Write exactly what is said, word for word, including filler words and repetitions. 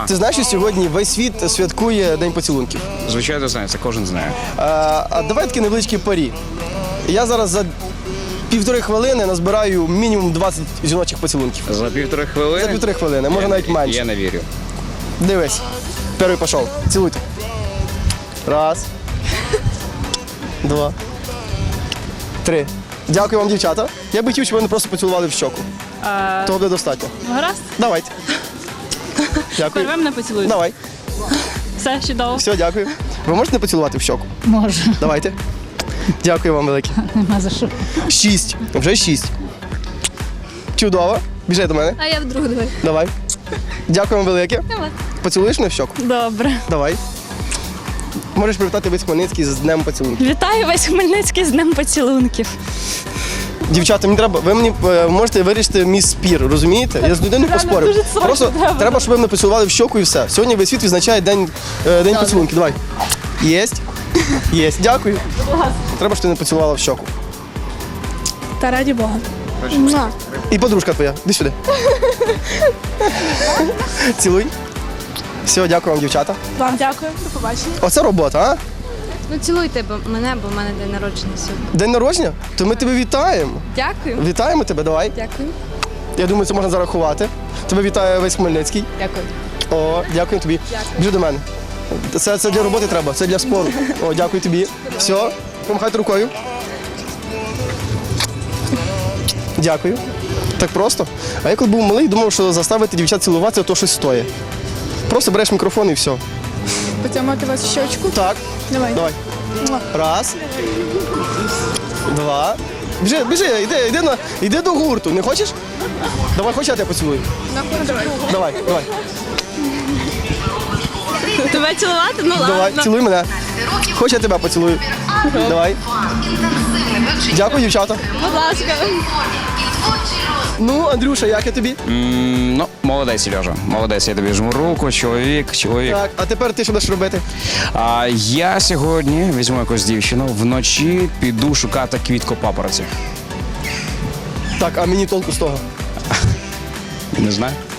Ти знаєш, що сьогодні весь світ святкує День поцілунків? Звичайно, знаю, це кожен знає. А, а давай такі невеличкі парі. Я зараз за півтори хвилини назбираю мінімум двадцять жіночих поцілунків. За півтори хвилини? За півтори хвилини, може Я- навіть менше. Я не вірю. Дивись. Перший пішов. Цілуйте. Раз. Два. Три. Дякую вам, дівчата. Я би хотів, щоб ви мене просто поцілували в щоку. А, Того буде достатньо. гаразд, Давайте. Дякую. перше мене поцілуй. Давай. Все, чудово. Все, дякую. Ви можете поцілувати в щоку? Можу, Давайте. Дякую вам велике. нема за що. Шість. Вже шість. Чудово. Біжи до мене. А я вдруг давай. Давай. Дякую вам велике. Давай. Поцілуєш мене в щоку? Добре. Давай. Можеш привітати весь Хмельницький з Днем поцілунків. Вітаю весь Хмельницький з Днем поцілунків. Дівчата, мені треба, ви мені е, можете вирішити мій спір, розумієте? Я з людиною Реально, поспорив. дуже сложно Просто треба. треба, щоб ви мене поцілували в щоку і все. Сьогодні весь світ відзначає день, е, день поцілунків. Давай. Єсть. Єсть. Дякую. Треба, щоб ти мене поцілувала в щоку. Та раді Бога. І подружка твоя. Іди сюди. Цілуй. Все, дякую вам, дівчата. Вам дякую. До побачення. Оце робота, а? Ну цілуйте бо- мене, бо в мене день народження сьогодні. День народження? То ми тебе вітаємо. Дякую. Вітаємо тебе, давай. Дякую. Я думаю, це можна зарахувати. Тебе вітає весь Хмельницький. Дякую. О, дякую тобі. Біжи до мене. Це, це для роботи треба, це для спору. О, дякую тобі. Все, помахайте рукою. Дякую. Так просто. А я коли був малий, думав, що заставити дівчат цілуватися, то щось стоїть. Просто береш мікрофон і все. Потягнути вас в щочку. Так. Давай. Давай. Раз. Два. Біжи, біжи, йди, йди, на, йди до гурту. Не хочеш? Давай, хоч я тебе поцілую. Давай, давай. Тебе цілувати? Ну Давай, ладно. цілуй мене. Хоч я тебе поцілую. Давай. Дякую, дівчата. Будь ласка. Ну, Андрюша, як я тобі? М, ну, молодець, Сережа. Молодець, я тобі жму руку, чоловік, чоловік. Так, а тепер ти що будеш робити? А я сьогодні візьму якусь дівчину, вночі піду шукати квітку папороті. Так, а мені толку з того. Не знаю.